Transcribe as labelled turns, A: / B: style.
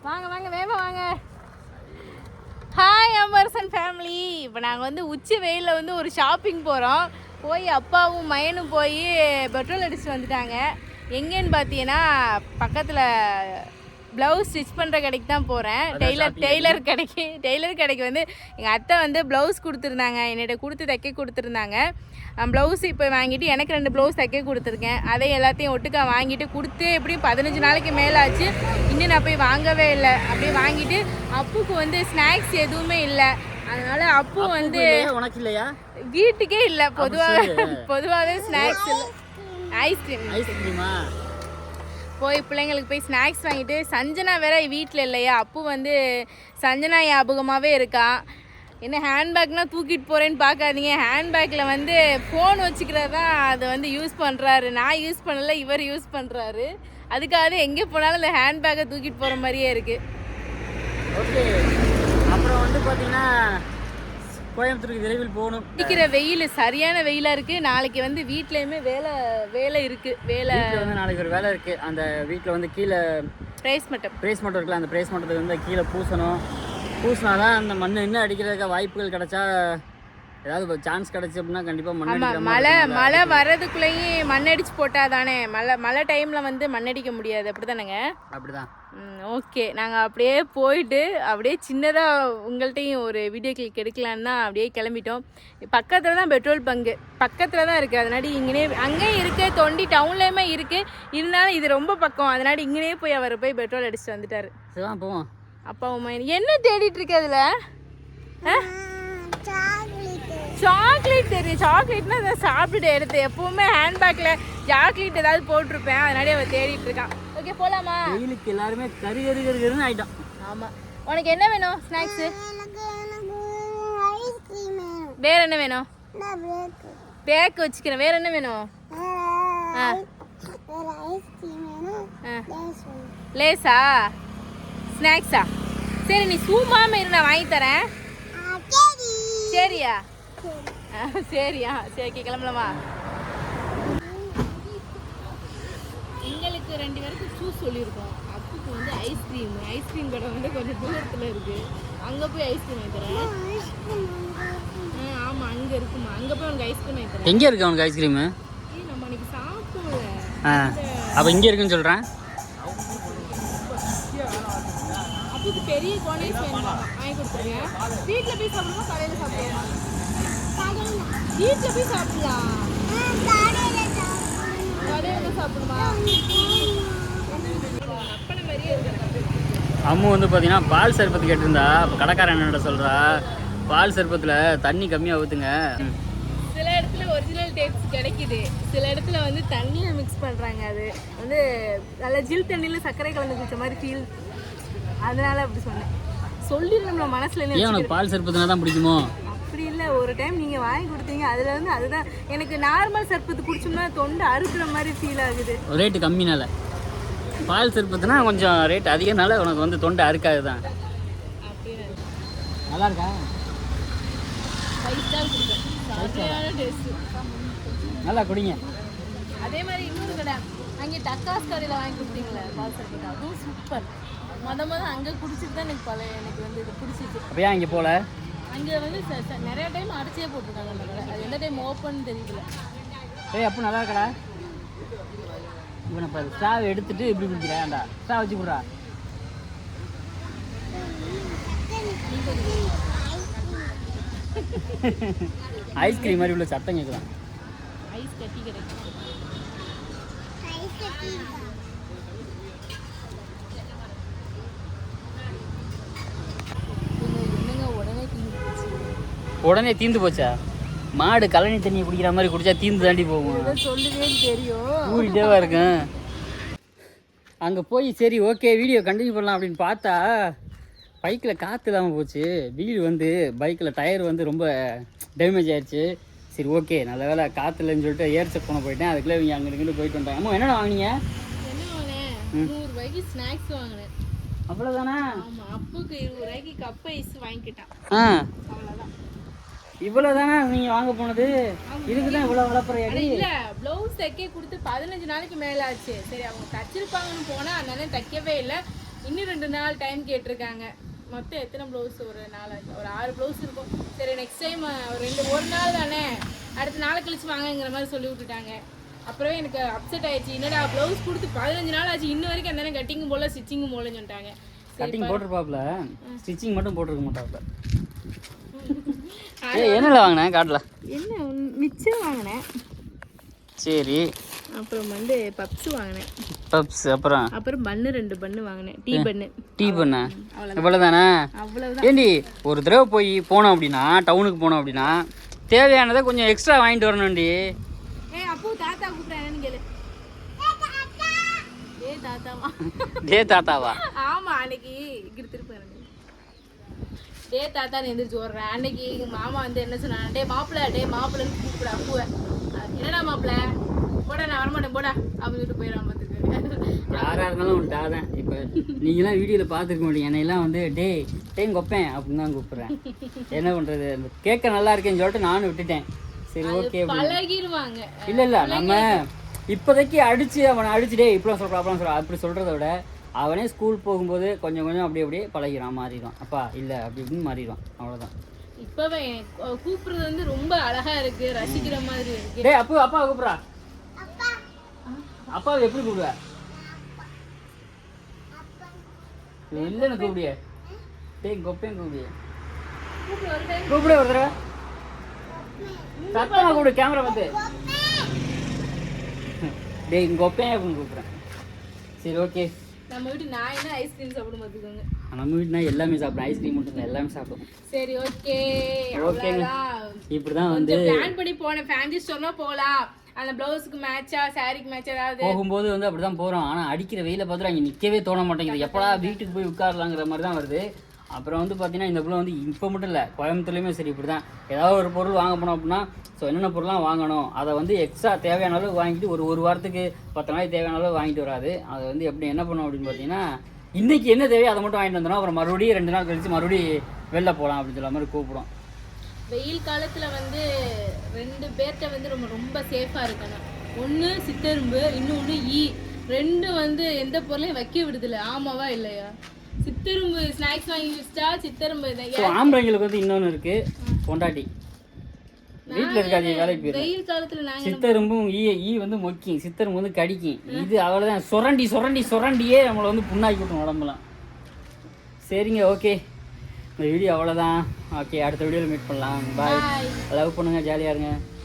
A: வாங்க வாங்க வேமா வாங்க. ஹாய் அமர்சன் ஃபேமிலி. இப்போ நாங்கள் வந்து உச்சி வெயிலில் வந்து ஒரு ஷாப்பிங் போகிறோம். போய் அப்பாவும் மயனும் போய் பெட்ரோல் அடிச்சுட்டு வந்துட்டாங்க. எங்கேன்னு பார்த்தீங்கன்னா பக்கத்தில் ப்ளவுஸ் ஸ்டிச் பண்ணுற கடைக்கு தான் போகிறேன். டெய்லர் கடைக்கு வந்து எங்கள் அத்தை வந்து ப்ளவுஸ் கொடுத்துருந்தாங்க, என்னிட்ட கொடுத்து தைக்க கொடுத்துருந்தாங்க. ப்ளவுஸ் இப்போ வாங்கிட்டு எனக்கு 2 ப்ளவுஸ் தைக்க கொடுத்துருக்கேன். அதை எல்லாத்தையும் ஒட்டுக்கா வாங்கிட்டு கொடுத்து எப்படியும் 15 நாளைக்கு மேலே ஆச்சு. இன்னும் நான் போய் வாங்கவே இல்லை. அப்படியே வாங்கிட்டு அப்புக்கு வந்து ஸ்நாக்ஸ் எதுவுமே இல்லை. அதனால அப்பு வந்து
B: உனக்கு இல்லையா?
A: வீட்டுக்கே இல்லை. பொதுவாகவே ஸ்நாக்ஸ் இல்லை. ஐஸ்கிரீமா போய் பிள்ளைங்களுக்கு போய் ஸ்நாக்ஸ் வாங்கிட்டு சஞ்சனா வேற வீட்டில் இல்லையா. அப்பு வந்து சஞ்சனா ஞாபகமாகவே இருக்கா. என்ன ஹேண்ட்பேக்னால் தூக்கிட்டு போகிறேன்னு பார்க்காதீங்க. ஹேண்ட்பேக்கில் வந்து ஃபோன் வச்சுக்கிறது தான் அதை வந்து யூஸ் பண்ணுறாரு. நான் யூஸ் பண்ணல, இவர் யூஸ் பண்ணுறாரு. அதுக்காக எங்கே போனாலும் இந்த ஹேண்ட்பேக்கை தூக்கிட்டு போகிற மாதிரியே இருக்குது.
B: ஓகே, அப்புறம் வந்து பார்த்தீங்கன்னா கோயம்புத்தூருக்கு விரைவில் போகணும்.
A: இருக்கிற வெயில் சரியான வெயிலாக இருக்குது. நாளைக்கு வந்து வீட்லேயுமே வேலை இருக்குது. வேலை
B: வந்து நாளைக்கு ஒரு வேலை இருக்குது. அந்த வீட்டில் வந்து கீழே ப்ரேஸ் மட்டும் இருக்குல்ல, அந்த ப்ரேஸ் மட்டத்துக்கு வந்து கீழே பூசினா தான் அந்த மண் இன்னும் அடிக்கிறதுக்கு வாய்ப்புகள் கிடைச்சா, ஏதாவது சான்ஸ் கிடைச்சி அப்படின்னா கண்டிப்பாக
A: மழை வர்றதுக்குள்ளேயும் மண் அடிச்சு போட்டால் தானே மழை டைமில் வந்து மண் அடிக்க முடியாது. அப்படி தானேங்க?
B: அப்படிதான்.
A: ஓகே, நாங்கள் அப்படியே போயிட்டு அப்படியே சின்னதாக உங்கள்கிட்டையும் ஒரு வீடியோ கிளிக் எடுக்கலான்னு தான் அப்படியே கிளம்பிட்டோம். பக்கத்தில் தான் பெட்ரோல் பங்கு பக்கத்தில் தான் இருக்குது. அதனால அங்கேயும் இருக்குது, தொண்டி டவுன்லேயுமே இருக்குது. இருந்தாலும் இது ரொம்ப பக்கம். அதனால இங்கேயே போய் அவர் போய் பெட்ரோல் அடிச்சுட்டு வந்துட்டார்.
B: சரிதான், போவோம்.
A: அப்பா உமா என்ன தேடிட்டு இருக்கு அதில்? சாக்லேட் தெரியும். சாக்லேட்னா அதை சாப்பிட்டுட்டு எடுத்து எப்பவுமே ஹேண்ட்பேக்கில் சாக்லேட் ஏதாவது போட்டிருப்பேன். அதனாலே அவள் தேடிட்டு இருக்கான். ஓகே, போகலாமா?
B: வெயிலுக்கு எல்லாருமே கருன்னு ஆகிட்டோம்.
A: ஆமாம். உனக்கு என்ன வேணும் ஸ்நாக்ஸு? வேற என்ன வேணும்? பேக் வச்சுக்கிறேன். வேற என்ன வேணும்? லேஸா ஸ்நாக்ஸா? சரி, நீ சூமாம இரு, நான் வாங்கி தரேன். சரியா? சரியா? சரி, கிளம்பலாமா? எங்களுக்கு 2 பேருக்கு ஜூஸ் சொல்லியிருக்கோம். அப்புக்கு வந்து ஐஸ்கிரீம் கடை வந்து கொஞ்சம் தூரத்தில் இருக்குது. அங்கே போய் ஐஸ்கிரீம் வாங்கி தரேன். ஆமாம், அங்கே இருக்குமா. அங்கே போய் உனக்கு ஐஸ்கிரீம் வாங்கி தரேன்.
B: எங்கே இருக்கு உனக்கு ஐஸ்கிரீமு?
A: நம்ம அன்றைக்கி சாப்பிட்டோம்ல.
B: அப்போ இங்கே இருக்குன்னு சொல்கிறேன்.
A: அப்புக்கு பெரிய கோனைஸ் வேணும், வாங்கி கொடுத்துருங்க. வீட்டில் போய் சாப்பிடணுமா கடையில் சாப்பிடலாம்? வீட்டில் போய் சாப்பிடலாம். கடையில் சாப்பிடுமா? அப்பனை மாதிரியே இருக்கு.
B: அம்மு வந்து பார்த்தீங்கன்னா பால் சர்பத்து கேட்டிருந்தா. இப்போ கடைக்காரன் என்னோட சொல்கிறா, பால் சர்பத்தில் தண்ணி கம்மியாக ஊற்றுங்க.
A: சில இடத்துல ஒரிஜினல் டேஸ்ட் கிடைக்குது, சில இடத்துல வந்து தண்ணியை மிக்ஸ் பண்ணுறாங்க. அது வந்து நல்ல ஜில் தண்ணியில் சர்க்கரை கலந்து குடிச்ச மாதிரி ஃபீல். அதனால அப்படி சொன்னேன். சொல்லிடணும் நம்ம மனசுல.
B: ஏன் உனக்கு பால் சர்பத்துனா தான் பிடிக்குமோ?
A: அப்படி இல்லை, ஒரு டைம் நீங்கள் வாங்கி கொடுத்தீங்க, அதில் வந்து அதுதான் எனக்கு நார்மல் சர்பத்து குடிச்சோம்னா தொண்டை அறுக்கிற மாதிரி ஃபீல் ஆகுது.
B: ரேட்டு கம்மினால. பால் சர்பத்துனா கொஞ்சம் ரேட் அதிகனால உனக்கு வந்து தொண்டை அறுக்காது தான். நல்லா இருக்கா?
A: 5 ஸ்டார் கொடுப்பேன். சரியான டேஸ்ட்.
B: நல்லா குடிங்க.
A: அதே மாதிரி இன்னொரு கடை அங்கே டக்காஸ் கடையில் வாங்கி கொடுத்தீங்களே பால் சர்பத்து, அதுவும் சூப்பர். மொதல் அங்கே குடிச்சிட்டு தான் எனக்கு வந்து இது பிடிச்சிச்சு.
B: அப்படியே அங்கே போகல.
A: அங்கே வந்து நிறைய டைம் அடிச்சே போட்டிருக்காங்க அந்த கடை. அது எந்த டைம் ஓப்பன் தெரியல.
B: அப்போ நல்லா இருக்கடா. இவனை பாரு, ஸ்டாவ் எடுத்துட்டு இப்படி குடிக்கிறேன்டா. ஸ்டாவ் வச்சு கொடுறா. ஐஸ்கிரீம் மாதிரி உள்ள சத்தம் கேட்கலாம்.
A: ஐஸ் கட்டி கிடைக்கும்.
B: உடனே தீந்து போச்சா? மாடு கழனி தண்ணியை குடிக்கிற மாதிரி குடிச்சா தீந்து தாண்டி போகும்.
A: சொல்லுவே தெரியும்,
B: ஊறிட்டேவா இருக்கும். அங்கே போய் சரி ஓகே வீடியோ கண்டினியூ பண்ணலாம் அப்படின்னு பார்த்தா பைக்கில் காற்று இல்லாமல் போச்சு. வீடு வந்து பைக்கில் டயர் வந்து ரொம்ப டேமேஜ் ஆயிடுச்சு. சரி ஓகே, நல்ல வேலை காற்று இல்லைன்னு சொல்லிட்டு ஏர் செக் பண்ண போயிட்டேன். அதுக்குள்ளே இவங்க அங்கிட்டு போயிட்டு வந்தாங்க. அம்மா என்னென்ன வாங்கினீங்க?
A: என்ன வாங்கினேன்? 100 ரூபாய்க்கு ஸ்நாக்ஸ் வாங்கினேன்.
B: அவ்வளோதானா?
A: ஆமாம், அப்புக்கு 20 ரூபாய்க்கு கப் ஐஸ் வாங்கிக்கிட்டான். அவ்வளோதான்.
B: இவ்வளோதானா நீங்கள் வாங்க போனது? இதுக்கு தான் இவ்வளோ வளர்ப்புறையாடி?
A: இல்லை, ப்ளவுஸ் தைக்க கொடுத்து 15 நாளைக்கு மேலே ஆச்சு. சரி அவங்க தச்சிருப்பாங்கன்னு போனால் அதனால தைக்கவே இல்லை. இன்னும் 2 நாள் டைம் கேட்டிருக்காங்க. மொத்தம் எத்தனை ப்ளவுஸ்? ஒரு 6 ப்ளவுஸ் இருக்கும். சரி நெக்ஸ்ட் டைம் ஒரு நாள் தானே, அடுத்த நாளை கழிச்சு வாங்கங்கிற மாதிரி சொல்லி விட்டுட்டாங்க. அப்புறமே எனக்கு அப்செட் ஆயிடுச்சு. என்னடா ப்ளவுஸ் கொடுத்து 15 நாள் ஆச்சு, இன்ன வரைக்கும் அந்த கட்டிங்கும் போல ஸ்டிச்சிங்கும் போலன்னு சொல்லிட்டாங்க.
B: கட்டிங் போட்டிருப்பாப்ல, ஸ்டிச்சிங் மட்டும் போட்டிருக்க மாட்டாப்ல. என்னல வாங்கினேன் காட்டல? என்ன
A: மிச்சம் வாங்கினேன்.
B: சரி.
A: அப்புறம் பப்ஸ் வாங்கினேன்.
B: பப்ஸ் அப்புறம்
A: பன்னு 2 பன்னு வாங்கினேன். டீ பண்ணு
B: இவ்வளோதானே?
A: அவ்வளவுதான்.
B: ஏண்டி ஒரு தடவை போனோம் அப்படின்னா, டவுனுக்கு போனோம் அப்படின்னா தேவையானதை கொஞ்சம் எக்ஸ்ட்ரா வாங்கிட்டு வரணும்டி.
A: அப்போ தாத்தா கூப்பிடுறேன்னு கேளு.
B: தாத்தாவா?
A: ஆமா, அன்னைக்கு இங்கிட்டு திருப்பி தாத்தான்னு எந்திரிச்சு ஓடுறேன். அன்னைக்கு எங்க மாமா என்ன சொன்னாங்க, டே மாப்பிள்ளன்னு கூப்பிட அப்புவ. என்னடா மாப்பிள்ள போடா, நான் வரமாட்டேன் போடா அப்படின்னு சொல்லிட்டு போயிடாம பார்த்துக்கோங்க.
B: யாரா இருந்தாலும் ஒரு தான். இப்போ நீங்களாம் வீடியோவில் பார்த்துருக்க மாட்டீங்க, என்னையெல்லாம் டேய் கொப்பேன் அப்படின்னு தான் கூப்பிட்றேன். என்ன பண்ணுறது, கேட்க நல்லா இருக்கேன்னு சொல்லிட்டு நானும் விட்டுட்டேன். சரி ஓகே
A: பழகிடுவாங்க.
B: இல்லை நம்ம இப்போதைக்கு அவனை அடிச்சுடே இப்படிலாம் சொல்கிறான் அப்படிலாம் சொல்கிறான் அப்படி சொல்கிறத விட அவனே ஸ்கூல் போகும்போது கொஞ்சம் கொஞ்சம் அப்படியே பழகிறான், மாறிடுவான். அப்பா இல்லை அப்படி இப்படின்னு மாறிடுவான், அவ்வளோதான்.
A: இப்போவே கூப்பிடுறது ரொம்ப அழகா இருக்கு, ரசிக்கிற மாதிரி இருக்கு.
B: டேய் அப்பா கூப்பிட்றா. அப்பாவை எப்படி கூப்பிடுவ? இல்லைன்னு கூப்பிடிய. டேய் கொப்பேன் கூப்பிடிய. கூப்பிட ஒரு தடவை சத்தமாக கூப்பிடு, கேமரா பார்த்து. டேய் கொப்பேன் அப்படின்னு கூப்பிட்றேன். சரி ஓகே.
A: நம்ம வீட்டு நான் என்ன ஐஸ்கிரீம் சாப்பிடும் பார்த்துக்கோங்க.
B: நம்ம வீட்டுனா எல்லாமே சாப்பிடும், ஐஸ்கிரீம் மட்டும் எல்லாமே சாப்பிடும்.
A: சரி ஓகே.
B: ஓகேங்க, இப்படிதான்
A: பிளான் பண்ணி போனேன். ஃபேன்சி ஸ்டோர்னா போகலாம், அந்த ப்ளவுஸுக்கு மேட்சா சாரிக்கு மேட்சா ஏதாவது
B: போகும்போது அப்படிதான் போகிறோம். ஆனால் அடிக்கிற வெயில பார்த்துட்டு அங்கே நிற்கவே தோண மாட்டேங்குது. எப்படா வீட்டுக்கு போய் உட்காரலாங்கிற மாதிரி தான் வருது. அப்புறம் பார்த்தீங்கன்னா இந்த பிள்ளை இப்போ மட்டும் இல்லை, கோயம்புத்தூர்லேயுமே சரி இப்படி தான். ஏதாவது ஒரு பொருள் வாங்க போனோம் அப்படின்னா, ஸோ என்னென்ன பொருள்லாம் வாங்கணும் அதை எக்ஸ்ட்ரா தேவையான அளவு வாங்கிட்டு ஒரு வாரத்துக்கு 10 நாளைக்கு தேவையான அளவு வாங்கிட்டு வராது. அதை எப்படி என்ன பண்ணும் அப்படின்னு பார்த்தீங்கன்னா, இன்றைக்கி என்ன தேவையோ அதை மட்டும் வாங்கிட்டு வந்துடும். அப்புறம் மறுபடியும் 2 நாள் கழிச்சு மறுபடியும் வெளில போகலாம் அப்படின்னு சொல்ல மாதிரி கூப்பிடும்.
A: வெயில் காலத்தில் 2 பேர்கிட்ட ரொம்ப சேஃபாக இருக்கணும். ஒன்று சித்தரும்பு, இன்னொன்று ரெண்டும் எந்த பொருளையும் வைக்க விடுதில்லை. ஆமாவா இல்லையா? சித்தரும்பு ஸ்நாக்ஸ் வாங்கி வச்சிட்டா சித்தரும்பு.
B: ஆம்பளைங்களுக்கு இன்னொன்று இருக்கு, பொண்டாட்டி வீட்டில் இருக்காது, வேலைக்கு போயிடும்.
A: வெயில் காலத்தில் நாங்கள்
B: சித்தரும்பும் மொக்கிங், சித்தரும்பு கடிக்கும். இது அவ்வளோதான், சுரண்டியே நம்மளை புண்ணாக்கி விட்டோம் உடம்புலாம். சரிங்க, ஓகே, இந்த வீடியோ அவ்வளோதான். ஓகே, அடுத்த வீடியோவில் மீட் பண்ணலாம். பாய். லவ் பண்ணுங்கள், ஜாலியாக இருங்க.